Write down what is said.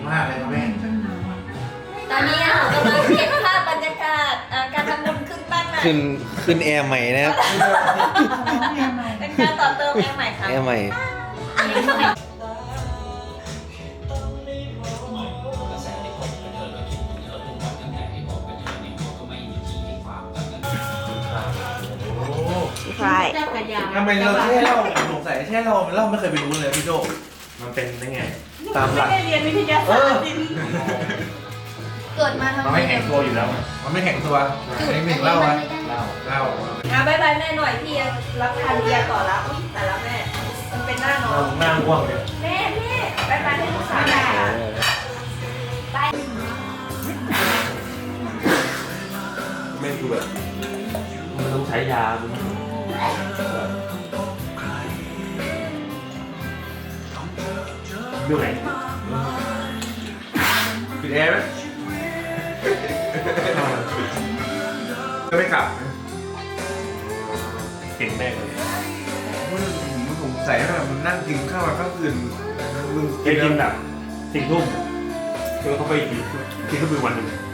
มากเลยครับแม่ตอนนี้เรากำลังเก็บภาพบรรยากาศการทำบุญขึ้นบ้านใหม่ขึ้นแอร์ใหม่นะครับเป็นการต่อเติมแอร์ใหม่ครับแอร์ใหม่ใช่ทำไมเราแช่เหล้าสงสัยแช่เหล้ามันเหล้าไม่เคยไปรู้เลยพี่โจมันเป็นได้ไงตามหลักไม่ได้เรียนวิทยาศาสตร์เกิดมาทำมันไมไม่แข็งตัวอยู่แล้วมันไม่แข็งตัวอันนี้หนึ่งเหล้าอะเหล้าเหล้าบายบายแม่หน่อยพี่รับทานเบียร์ต่อแล้วอุ๊ยแต่ละแม่ มันเป็นหน้าน้องหน้าง่วงเลยแม่บายบายให้ลูกสาวหน่อยไปไม่คือแบบมันต้องใช้ยาดูไหนปิดแอร์ไหมจะไม่กลับเก่งแม่เลยมึงสงสัยว่ามันนั่งกินข้าวมาข้างคืนมึงแกกินแบบ4 ทุ่มคือเขาไปกินก็คือวันหนึ่ง